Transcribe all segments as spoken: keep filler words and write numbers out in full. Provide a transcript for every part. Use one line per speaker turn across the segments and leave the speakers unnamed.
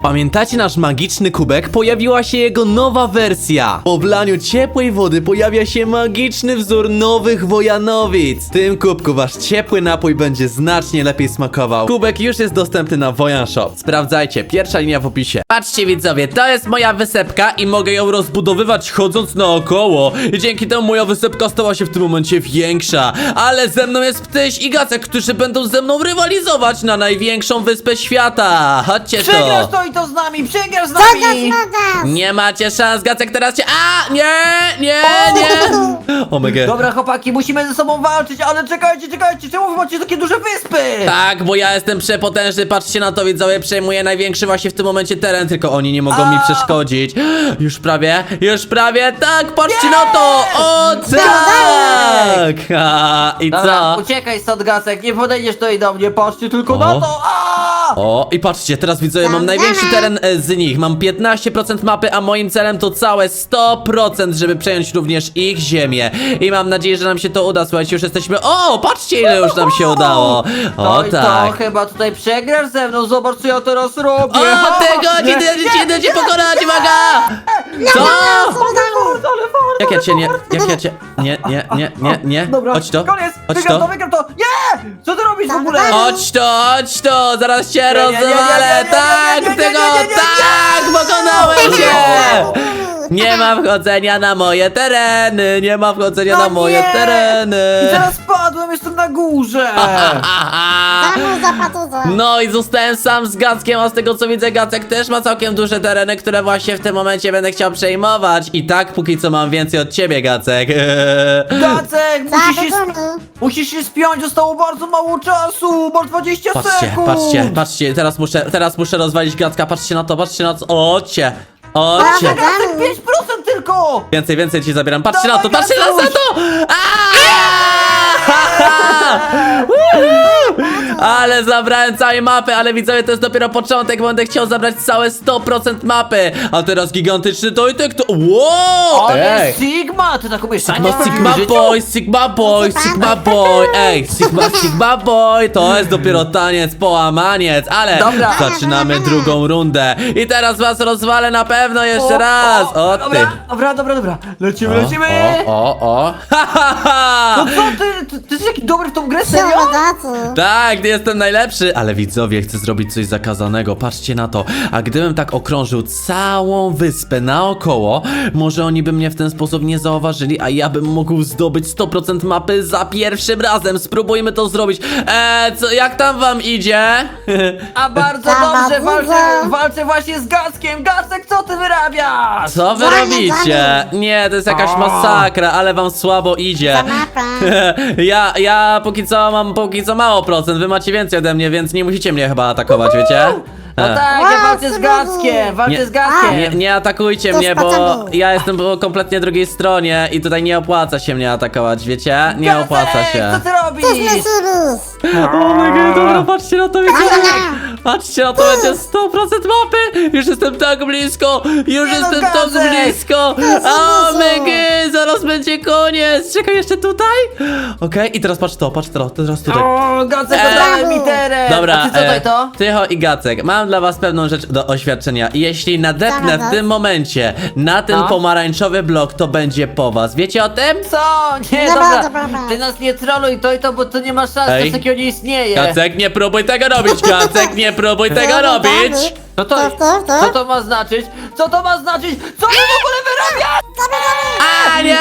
Pamiętacie nasz magiczny kubek? Pojawiła się jego nowa wersja. Po wlaniu ciepłej wody pojawia się magiczny wzór nowych Wojanowic. W tym kubku wasz ciepły napój będzie znacznie lepiej smakował. Kubek już jest dostępny na Wojan Shop. Sprawdzajcie, pierwsza linia w opisie. Patrzcie widzowie, to jest moja wysepka i mogę ją rozbudowywać chodząc naokoło. I dzięki temu moja wysepka stała się w tym momencie większa. Ale ze mną jest Ptyś i Gacek, którzy będą ze mną rywalizować na największą wyspę świata. Chodźcie tu.
Przegrasz to i to z nami, przegrasz z
Co to
nami!
znowu?
Nie macie szans, Gacek teraz cię... A! Nie! Nie! Nie! O my god.
Dobra chłopaki, musimy ze sobą walczyć, ale czekajcie, czekajcie, czemu wy macie takie duże wyspy?
Tak, bo ja jestem przepotężny, patrzcie na to widzowie, przejmuję największy właśnie w tym momencie teren, tylko oni nie mogą mi
A!
przeszkodzić. Już prawie, już prawie, tak, patrzcie na to! O tak! A, I
Dobra,
co?
uciekaj stąd Gacek, nie podejdziesz tutaj do mnie, patrzcie tylko
O.
na to! A!
O, i patrzcie, teraz widzowie, mam największy teren e, z nich, mam piętnaście procent mapy, a moim celem to całe sto procent, żeby przejąć również ich ziemię. I mam nadzieję, że nam się to uda, słuchajcie, już jesteśmy... O, patrzcie ile już nam się udało! O
No i to
tak!
chyba tutaj przegrasz ze mną, zobacz co ja teraz robię!
O, tego nie nie nie cię pokonać, uwaga! Co? Jak ja cię nie, jak ja cię, nie, nie, nie, nie, nie,
Dobra,
chodź to,
koniec!
chodź
Wygram to,
to,
wygram to! Nie! Co ty robisz w ogóle?
chodź to, chodź to, zaraz cię
nie, nie, nie, nie,
rozwalę,
nie, nie,
tak,
nie, nie,
tego,
nie, nie, nie,
tak,
nie.
pokonałem cię! Nie ma wchodzenia na moje tereny, nie ma wchodzenia
No
na moje
nie.
tereny.
I teraz spadłem, jestem na górze!
Aha.
Znowu zapatuza.
No i zostałem sam z Gackiem, a z tego co widzę Gacek też ma całkiem duże tereny, które właśnie w tym momencie będę chciał przejmować. I tak póki co mam więcej od ciebie, Gacek.
Gacek, musisz się,
Zapatuza.
musisz się spiąć, zostało bardzo mało czasu, bo dwadzieścia
Patrzcie,
sekund!
patrzcie, patrzcie, teraz muszę, teraz muszę rozwalić Gacka, patrzcie na to, patrzcie na to. Ocie, ocie.
Gacek, pięć procent tylko!
Więcej, więcej ci zabieram, patrzcie na to,
Dawaj,
patrzcie na
Gacuś.
to! Ale zabrałem całej mapy, ale widzowie, to jest dopiero początek, bo będę chciał zabrać całe sto procent mapy. A teraz gigantyczny Tojtek to... Wow!
Ale Sigma, ty tak umiesz
No
tańczyć w
Sigma
życiu?
Boy, Sigma Boy, Sigma Boy, ej, Sigma, Sigma Boy, to jest dopiero taniec, połamaniec, ale
Dobra.
zaczynamy drugą rundę i teraz was rozwalę na pewno jeszcze
O,
raz,
o,
o ty.
Dobra, dobra, dobra, dobra. Lecimy, lecimy!
O, o, o, ha, ha, ha.
No co ty, ty, ty jesteś taki dobry w tą grę,
Co
serio?
za
Tak, jestem najlepszy, ale widzowie, chcę zrobić coś zakazanego, patrzcie na to. A gdybym tak okrążył całą wyspę naokoło, może oni by mnie w ten sposób nie zauważyli, a ja bym mógł zdobyć sto procent mapy za pierwszym razem. Spróbujmy to zrobić. Eee, co, jak tam wam idzie?
A bardzo
Za
dobrze,
bardzo.
walczę, walczę właśnie z Gackiem. Gacek, co ty wyrabiasz?
Co wy
Zamiast,
robicie? Nie, to jest jakaś
O.
masakra, ale wam słabo idzie.
Za mapę.
Ja, ja póki co mam póki co mało procent, wy macie więcej ode mnie, więc nie musicie mnie chyba atakować, wiecie?
No
E.
tak,
Wow,
ja walczę z
co
Gackiem, walczę
Nie-
z Gackiem.
Nie, nie atakujcie
To
mnie, bo
spadamy.
ja jestem po kompletnie drugiej stronie i tutaj nie opłaca się mnie atakować, wiecie? Nie
Gacek,
opłaca się.
co ty
To
robisz?
jest Mesyrus.
O my god, dobra, patrzcie na to, wiecie?
Dobra.
Patrzcie na to, będzie sto procent mapy! Już jestem tak blisko! Już
Nie no,
jestem tak
Gacek!
blisko!
jest
O
dużo.
my god, zaraz będzie koniec! Czekaj, jeszcze tutaj? Okej, i teraz patrz to, patrz to, teraz tutaj.
O, Gacek,
Eee.
oddawaj mi teren.
Dobra,
A ty co tutaj to?
e, Tycho i Gacek, mam dla was pewną rzecz do oświadczenia. Jeśli nadepnę
Zaraz.
w tym momencie na ten
No.
pomarańczowy blok, to będzie po was. Wiecie o tym?
Co? Nie,
Dobra,
dobra.
dobra, dobra.
Ty nas nie troluj, to i to, bo to nie ma szans,
Ej.
coś takiego nie istnieje.
Gacek, nie próbuj tego robić, Gacek, nie próbuj tego robić!
No to,
To, to, to?
co to ma znaczyć? Co to ma znaczyć? Co wy w ogóle wyrabiasz?
A nie!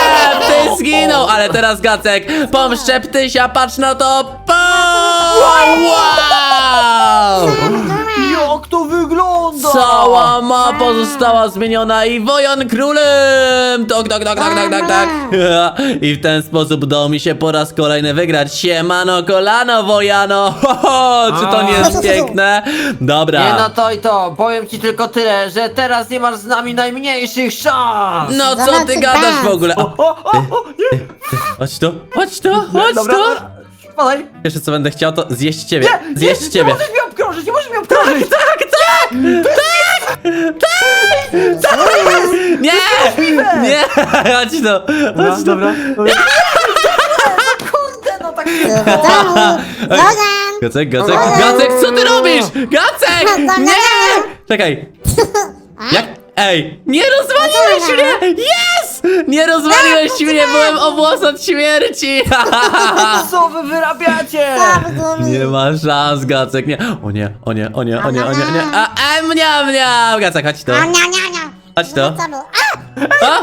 Ty zginął! Ale teraz Gacek, pomszczę ptysia, patrz na to! Pum! Wow!
Jak to wygląda?
Cała mapa została zmieniona i Wojan królem! Tak, tak, tak, tak, tak, tak, tak. I w ten sposób udało mi się po raz kolejny wygrać. Siemano kolano, Wojano! Ho, ho, czy to nie jest piękne? Dobra.
Nie no to i to, powiem ci tylko tyle, że teraz nie masz z nami najmniejszych szans!
No co
Zobaczcie,
ty gadasz w
bam.
ogóle? O,
O, o, o, nie!
chodź tu, chodź tu, chodź
Dobra,
tu!
dobra, spadaj!
Pierwsze co będę chciał to zjeść ciebie.
Nie,
Zjeść
nie,
ciebie.
Nie możesz mnie obkrążyć, nie możesz mnie obkrążyć!
Tak, tak! Tak! Tak! Nie! Nie! Chodź tu! Chodź tu!
dobra. Kurde, no tak się...
Do domu. Logan.
Gacek, Gacek, Gacek, co ty robisz? Gacek! Nie! Czekaj. Jak? Ej, nie rozwaliłeś mnie! Yes! Nie rozwaliłeś mnie, byłem o włos od śmierci!
Co wy wyrabiacie?
Nie ma szans, Gacek, nie. O nie, o nie, o nie, o nie, o nie, o nie. A, a, mnia, mnia! Gacek, chodź tu.
A, nia, nia, nia.
Chodź tu.
No co było? A!
A?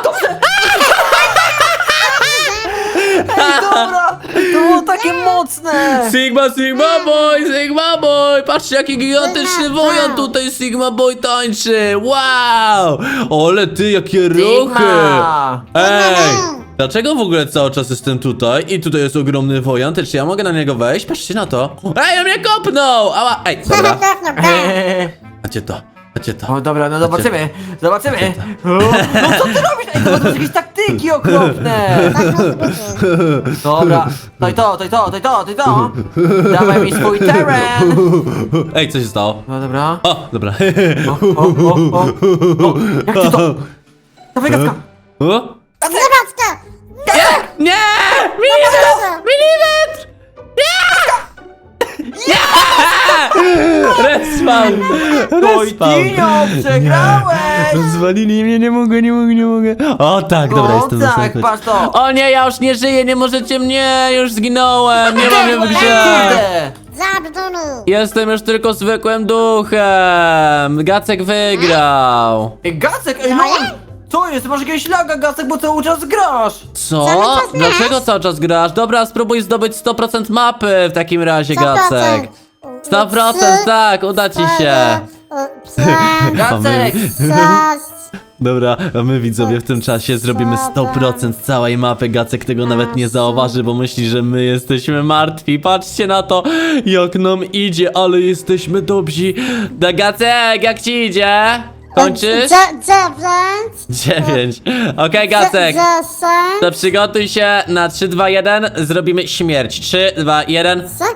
Ej, dobra, to było takie mocne.
Sigma, Sigma Boy, Sigma Boy! Patrzcie, jaki gigantyczny wojan tutaj Sigma Boy tańczy! Wow! Ale ty, jakie ruchy!
Sigma.
Ej! Dlaczego w ogóle cały czas jestem tutaj i tutaj jest ogromny wojan? Też czy ja mogę na niego wejść? Patrzcie na to! Ej, on mnie kopnął! Ała! Ej, dobra.
Eee.
Macie to, macie to.
O dobra, no zobaczymy, zobaczymy. O, no co ty robisz? Ej, to są jakieś taktyki okropne.
Tak musi być.
Dobra, to i to, to i to, to i to, to i to. Dawaj mi swój teren.
Ej, co się stało?
No dobra.
O, dobra.
O, o, o, o. O, jak ty to? Dawaj gadka.
O?
Zobacz to!
Nie! Nie! Milimetr! Milimetr! Nie! Nie! Respawn! Respawn!
Tojtinio, przegrałeś.
Rozwalili mnie, nie mogę, nie mogę, nie mogę. O tak, dobra,
O
jestem
tak,
następny.
patrz to.
O nie, ja już nie żyję, nie możecie mnie, już zginąłem, nie mam mnie w grze.
Kurde.
Zabdunu!
Jestem już tylko zwykłym duchem. Gacek wygrał.
Ej, Gacek, ej, no. Co jest? Masz jakiegoś laga, Gacek, bo cały czas grasz.
Co?
Cały czas grasz?
Dlaczego cały czas grasz? Dobra, spróbuj zdobyć sto procent mapy w takim razie, Gacek. sto procent, tak, uda ci się.
Gacek.
Dobra, a my widzowie w tym czasie zrobimy sto procent całej mapy. Gacek tego nawet nie zauważy, bo myśli, że my jesteśmy martwi. Patrzcie na to, jak nam idzie, ale jesteśmy dobrzy. Da Gacek, jak ci idzie? Kończysz?
Dziewięć!
Dziewięć. Okej, Gacek.
Dziesięć!
To przygotuj się na trzy, dwa, jeden. Zrobimy śmierć. trzy, dwa, jeden.
Co?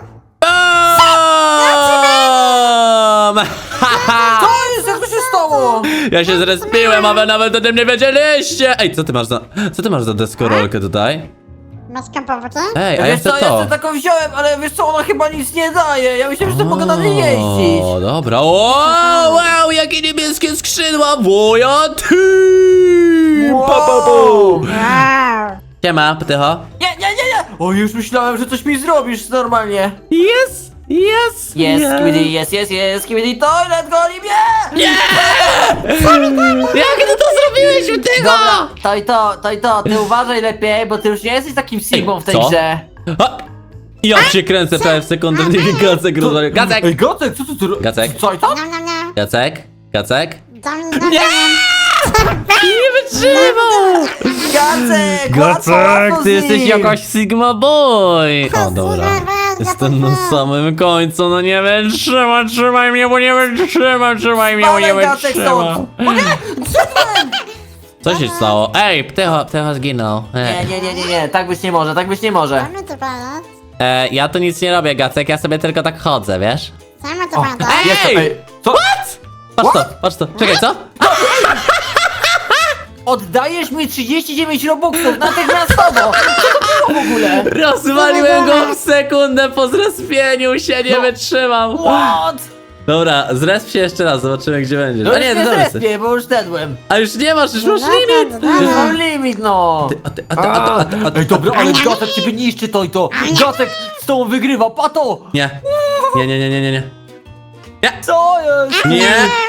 Boom!
Co jest? Jak to się stało?
Ja się zrespiłem, a wy nawet o tym nie wiedzieliście! Ej, co ty masz za... Co ty masz za deskorolkę tutaj?
Masz kampować?
Ej, a ja
Wiesz
chcę
co, ja
to.
sobie taką wziąłem, ale wiesz co, ona chyba nic nie daje. Ja myślałem, że to mogę na niej jeździć.
O, dobra. O, wow, jakie niebieskie skrzydła! Wojan team!
Wow.
Pa, pa, pu.
Wow!
Siema, ptycho.
Nie, nie, nie, nie! O, już myślałem, że coś mi zrobisz normalnie.
Yes, yes,
Jest, skibidi, jest, jest, jest, skibidi, toilet goli mnie!
Nie! Jak ty to zrobiłeś, ptycho?
Dobra, to i to, to i to, ty uważaj lepiej, bo ty już nie jesteś takim Sigmą w tej
co?
grze.
A, ja cię kręcę prawie w sekundę, mnie Gacek rozwalił. Gacek!
Ej, Gacek, co ty tu robisz?
Gacek?
Co i to?
Niam, niam, niam!
Gacek? Gacek?
Dam, dam,
Nie!
dam.
Nie wytrzymał!
Gacek, łatwo, łatwo z
ty jesteś
nim.
jakaś Sigma Boy! O, dobra.
Sigma,
Jestem na samym końcu, no nie wytrzymam, trzymaj mnie, bo nie wytrzymam, trzymaj mnie, bo nie
Spadaj, Gacek,
wytrzymam.
stąd. O nie, zszedłem.
Co się stało? Ej, ptycho, ptycho zginął.
Nie,
E,
nie, nie, nie, nie, tak być nie może, tak być nie może.
Damy to pana.
e, ja tu nic nie robię, Gacek, ja sobie tylko tak chodzę, wiesz?
Damy to
O,
pana.
Ej!
jest to, ej, co?
Patrz to, patrz to, czekaj, co?
Oddajesz mi trzydzieści dziewięć robuxów natychmiastowo! Co to było w ogóle?
Rozwaliłem go w sekundę po zrespieniu się, nie
No.
wytrzymam.
What?
Dobra, zresp się jeszcze raz, zobaczymy gdzie będziesz.
No
A
już
nie,
nie
to jesteś.
zrespię, bo już dedłem.
A już nie masz, już masz
Dobra,
limit!
dobra.
Już mam limit, no!
A ty, a ty, a ty, a ty, a ty.
Ej, dobra, ale Gacek ciebie niszczy to i to! Gacek z tobą wygrywa, pato!
Nie. Nie, nie, nie, nie, nie, nie. Nie!
Co jest?
Nie!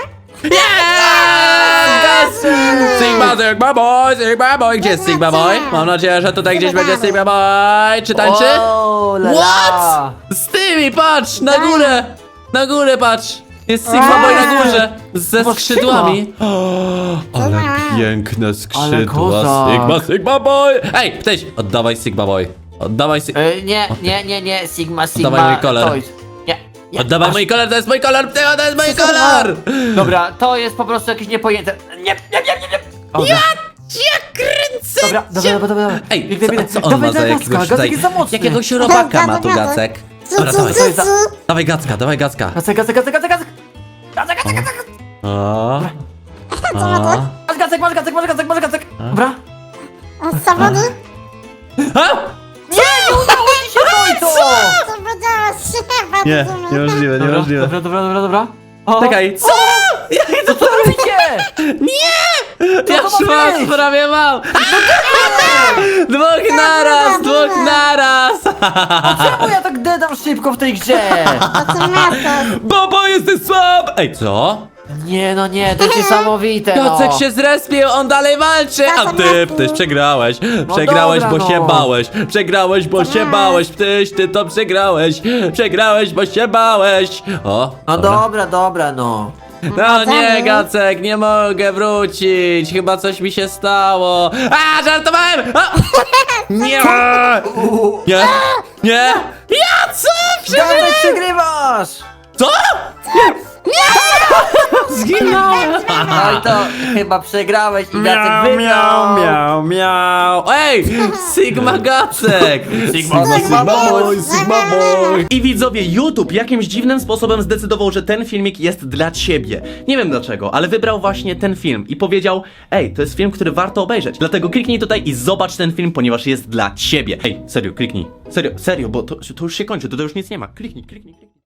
Gacek!
Sigma, Sigma Boy, Sigma Boy! Gdzie jest Sigma Boy? Mam nadzieję, że tutaj gdzieś będzie Sigma Boy. Czy tańczy?
O, la,
What?
la.
Z tymi, patrz! Na górę! Na górę, patrz! Jest Sigma Boy na górze! Ze
Zobacz,
skrzydłami! O, ale piękne skrzydła!
kozak.
Sigma, Sigma Boy! Ej, ptyś! Oddawaj Sigma Boy! Oddawaj Sigma...
Ej, nie, nie, nie, nie, Sigma, Sigma.
Oddawaj mój kolor.
Toys. Nie, nie.
Oddawaj
aż-
mój kolor, to jest mój kolor, ptycho, to jest mój kolor!
Dobra, to jest po prostu jakieś niepojęte. Nie, nie, nie, nie, nie. O,
Ja cię kręcę!
Dobra, dobra, dobra, dobra.
Ej,
Biegnę,
co,
biegnę.
co on
Dawaj,
ma za
dawaj,
jakiegoś
Gacka,
tutaj...
Gacek jest za mocny.
Jakiegoś robaka ma tu Gacek. Dobra, dawaj,
Co jest za-
dawaj Gacka, dawaj Gacka.
Gacek, Gacek, Gacek, Gacek, Gacek. Gacek, Gacek, Gacek.
O, o.
Masz Gacek, masz Gacek, masz Gacek, masz Gacek. Dobra.
A zawody?
A!
Nie, nie udało ci się to i to.
Co powiedziałeś?
Nie, niemożliwe,
Dobra,
niemożliwe.
dobra, dobra, dobra, dobra. O.
Czekaj, co? Jak
masz
Masz,
być?
prawie mam! Dwóch naraz, dwóch naraz!
Czemu ja tak dedam szybko w tej grze?
To co miasto?
Bobo, jesteś słab! Ej, co?
Nie no nie, to jest niesamowite no.
Jacek się zrespił, on dalej walczy! A ty, tyś przegrałeś! Przegrałeś,
dobra,
bo się
no.
bałeś! Przegrałeś, bo się bałeś! Tyś, ty to przegrałeś! Przegrałeś, bo się bałeś! O,
No dobra, dobra no.
No nie, Gacek, nie mogę wrócić! Chyba coś mi się stało! A, żartowałem! A! Nie! Nie! Nie! Jacek!
Dawaj, przegrywasz!
Co? Zginąłem!
No i to chyba przegrałeś i Jacek
Miau,
wygrał.
miau, miau. Ej! Sigma Gacek!
Sigma,
Sigma boy,
Sigma boy! I widzowie, YouTube jakimś dziwnym sposobem zdecydował, że ten filmik jest dla ciebie. Nie wiem dlaczego, ale wybrał właśnie ten film i powiedział: ej, to jest film, który warto obejrzeć. Dlatego kliknij tutaj i zobacz ten film, ponieważ jest dla ciebie. Ej, serio, kliknij. Serio, serio, bo to, to już się kończy, to, to już nic nie ma. Kliknij, kliknij, kliknij.